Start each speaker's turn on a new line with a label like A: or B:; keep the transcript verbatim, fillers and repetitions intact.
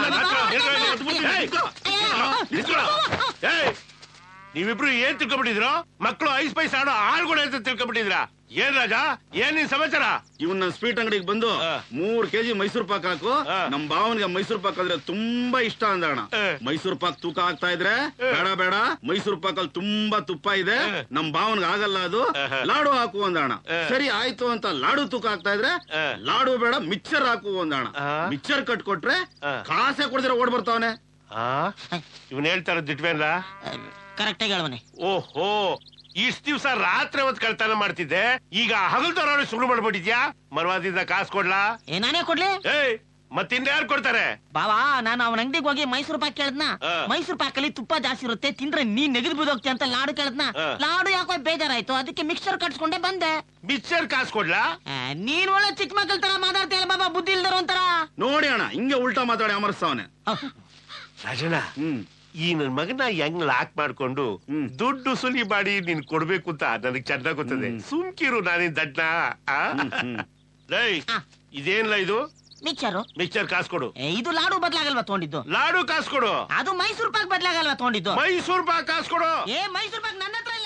A: ನೀವಿಬ್ರು ಏನ್ ತಿಳ್ಕೊಂಡ್ಬಿಟ್ಟಿದ್ರು? ಮಕ್ಕಳು ಐಸ್ ಪೈಸ್ ಆಡೋ ಆಳ್ಗಳು ಅಂತ ತಿಳ್ಕೊಂಡ್ಬಿಟ್ಟಿದ್ರ? ಏನ್ ರಾಜ, ಏನ್ ನಿನ್ ಸಮಾಚಾರ?
B: ಇವನ್ ನನ್ ಸ್ವೀಟ್ ಅಂಗಡಿಗೆ ಬಂದು ಮೂರ್ ಕೆಜಿ ಮೈಸೂರು ಪಾಕ್ ಹಾಕು, ನಮ್ ಭಾವನ್ಗೆ ಮೈಸೂರು ಪಾಕ್ ಅಂದ್ರೆ ತುಂಬಾ ಇಷ್ಟ ಅಂದಣ. ಮೈಸೂರು ಪಾಕ್ ತೂಕ ಆಗ್ತಾ ಇದ್ರೆ ಬೇಡ ಬೇಡ, ಮೈಸೂರು ಪಾಕ್ ಅಲ್ಲಿ ತುಂಬಾ ತುಪ್ಪ ಇದೆ, ನಮ್ ಭಾವನ್ಗೆ ಆಗಲ್ಲ, ಅದು ಲಾಡು ಹಾಕು ಅಂದಣ. ಸರಿ ಆಯ್ತು ಅಂತ ಲಾಡು ತೂಕ ಆಗ್ತಾ ಇದ್ರೆ ಲಾಡು ಬೇಡ ಮಿಕ್ಸರ್ ಹಾಕು ಅಂದಣ. ಮಿಕ್ಸರ್ ಕಟ್ಕೊಟ್ರೆ ಕಾಸೆ ಕೊಡ್ದಿರ ಓಡ್ ಬರ್ತಾವನೆ.
A: ಇವನ್ ಹೇಳ್ತಾರ ದಿಟ್ವೇನ್ಲ?
C: ಕರೆಕ್ಟ್ ಆಗಿ ಹೇಳವನೆ.
A: ಓಹೋ, ಇಷ್ಟ ದಿವ್ಸ ರಾತ್ರಿ ಹೊತ್ತು ಕಳ್ತನ ಮಾಡ್ತಿದ್ದೆ, ಈಗ ಹಗಲ್ದವ್ರ ಶುರು ಮಾಡ್ಬಿಟ್ಟಿದ್ಯಾ? ಮರ್ವಾದಿಂದ ಕಾಸು ಕೊಡ್ಲಾ?
C: ಏ ನಾನೇ ಕೊಡ್ಲಿ?
A: ಏಯ್ ಮತ್ತಿಂದ ಯಾರು ಕೊಡ್ತಾರೆ?
C: ಬಾವಾ, ನಾನು ಅವನ ಅಂಗಡಿಗೆ ಹೋಗಿ ಮೈಸೂರು ಪಾಕ್ ಕೇಳದ್ನ. ಮೈಸೂರು ಪಾಕ್ ಅಲ್ಲಿ ತುಪ್ಪ ಜಾಸ್ತಿ ಇರುತ್ತೆ, ತಿಂದ್ರೆ ನೀನ್ ನೆಗದು ಬಿದ್ದೋಗ್ತಿ ಅಂತ ಲಾಡು ಕೇಳದ್ನ. ಲಾಡು ಯಾಕೋ ಬೇಜಾರಾಯ್ತು, ಅದಕ್ಕೆ ಮಿಕ್ಸರ್ ಕಟ್ಸ್ಕೊಂಡೆ ಬಂದೆ.
A: ಮಿಕ್ಸರ್ ಕಾಸು ಕೊಡ್ಲಾ?
C: ನೀನ್ ಒಳ್ಳೆ ಚಿಕ್ಕ ಮಕ್ಕಳ ತರ ಮಾತಾಡ್ತೀಯಲ್ಲ ಬಾಬಾ, ಬುದ್ಧಿ ಇಲ್ದಾರ ಒಂಥರ.
B: ನೋಡಿ ಅಣ್ಣ, ಹಿಂಗೆ ಉಲ್ಟಾ ಮಾತಾಡಿ ಅಮರ್ಸ್ತಾವನೆ.
A: ರಾಜಣ್ಣ, ಈ ನನ್ ಮಗನ ಹೆಂಗ್ ಲಾಕ್ ಮಾಡ್ಕೊಂಡು ದುಡ್ಡು ಸುಲಿ ಮಾಡಿ ನೀನ್ ಕೊಡ್ಬೇಕು ಅಂತ ನನಗ್ ಚೆನ್ನಾಗ್ ಗೊತ್ತದೆ. ಸುಮ್ಕಿರು, ನಾನೇನ್ ದಡ್ಡ? ಇದೇನ್ಲ ಇದು?
C: ಮಿಕ್ಸರು.
A: ಮಿಕ್ಸರ್ ಕಾಸು ಕೊಡು.
C: ಇದು ಲಾಡು ಬದ್ಲಾಗಲ್ವಾ ತಗೊಂಡಿದ್ದು?
A: ಲಾಡು ಕಾಸು ಕೊಡು.
C: ಅದು ಮೈಸೂರು ಪಾಕ್ ಬದ್ಲಾಗಲ್ವಾ ತಗೊಂಡಿದ್ದು?
A: ಮೈಸೂರು ಪಾಕ್ ಕಾಸು ಕೊಡು.
C: ಏ ಮೈಸೂರು ಪಾಕ್ ನನ್ನ ಹತ್ರ